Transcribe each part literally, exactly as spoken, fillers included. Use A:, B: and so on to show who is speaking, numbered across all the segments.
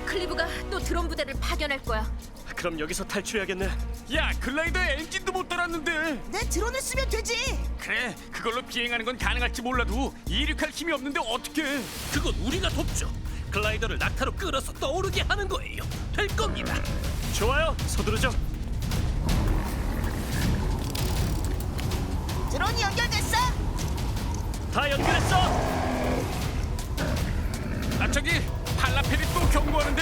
A: 클리브가 또 드론 부대를 파견할 거야.
B: 그럼 여기서 탈출해야겠네.
C: 야, 글라이더에 엔진도 못 달았는데.
D: 내 드론을 쓰면 되지.
C: 그래, 그걸로 비행하는 건 가능할지 몰라도 이륙할 힘이 없는데 어떡해.
E: 그건 우리가 돕죠. 글라이더를 낙하로 끌어서 떠오르게 하는 거예요. 될 겁니다.
B: 좋아요, 서두르죠.
D: 드론이 연결됐어.
B: 다 연결했어.
C: 아, 저기 팔라펠이 또 경고하는데.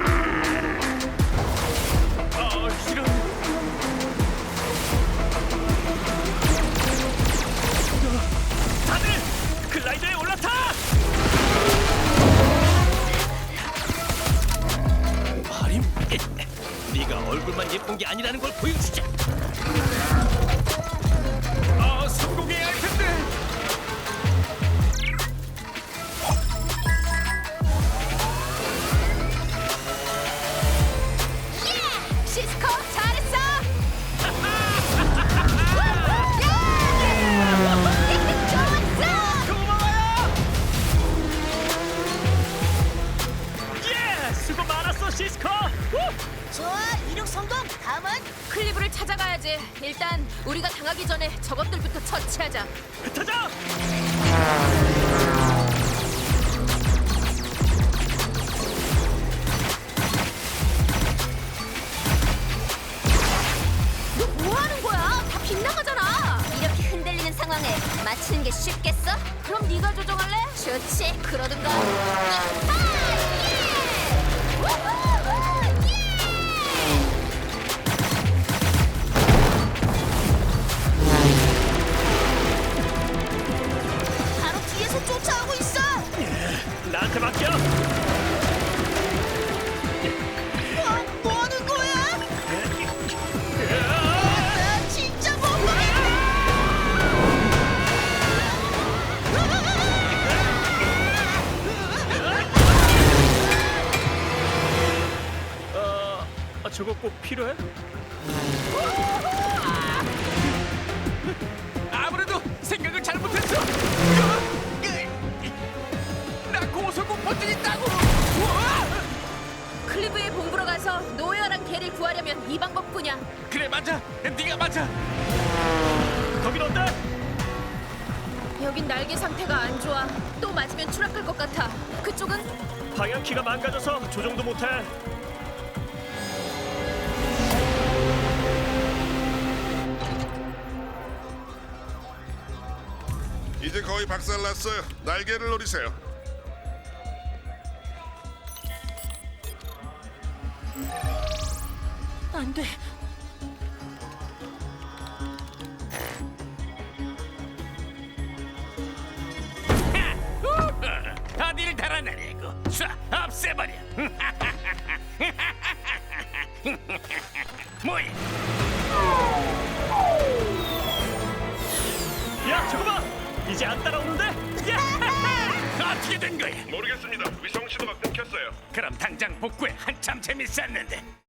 C: 아, 이런.
B: 다들 글라이더에 올라타.
E: 하림, 네가 얼굴만 예쁜 게 아니라는 걸 보여주자.
C: 아, 성공해야 할 텐데.
A: 시스코 잘했어. 좋았어.
B: 고마워요. 예, 수고 많았어, 시스코. 우!
D: 좋아, 이륙 성공. 다음은
A: 클리브를 찾아가야지. 일단 우리가 당하기 전에 저것들부터 처치하자.
B: 흩어져.
A: 너 뭐 하는 거야? 다 빗나가잖아. 이렇게 흔들리는 상황에 맞추는 게 쉽겠어? 그럼 네가 조정할래? 좋지. 그러든가. 이하! 예! 우후! 예!
D: 바로 뒤에서 쫓아오고 있어.
B: 나한테 맡겨.
D: 어, 뭐 하는 거야? 아, 진짜 못 보겠네.
B: 어, 아, 저거 꼭 필요해?
C: 아무래도 생각을 잘못했어. 나 고소공 버튼 있다고. 우와!
A: 클리브의 본부로 가서 노예어랑 개를 구하려면 이 방법뿐이야.
C: 그래, 맞아. 네가 맞아.
B: 거긴 어때?
A: 여긴 날개 상태가 안 좋아. 또 맞으면 추락할 것 같아. 그쪽은?
B: 방향키가 망가져서 조정도 못해.
F: 이제 거의 박살났어요. 날개를 노리세요.
A: 안 돼.
C: 어딜 달아내려고. 쏴, 없애버려. 뭐야?
B: 야, 저거 봐. 이제 안 따라오는데? 야!
C: 어떻게 된 거야?
F: 모르겠습니다. 위성 신호가 끊겼어요.
C: 그럼 당장 복구해. 한참 재밌었는데.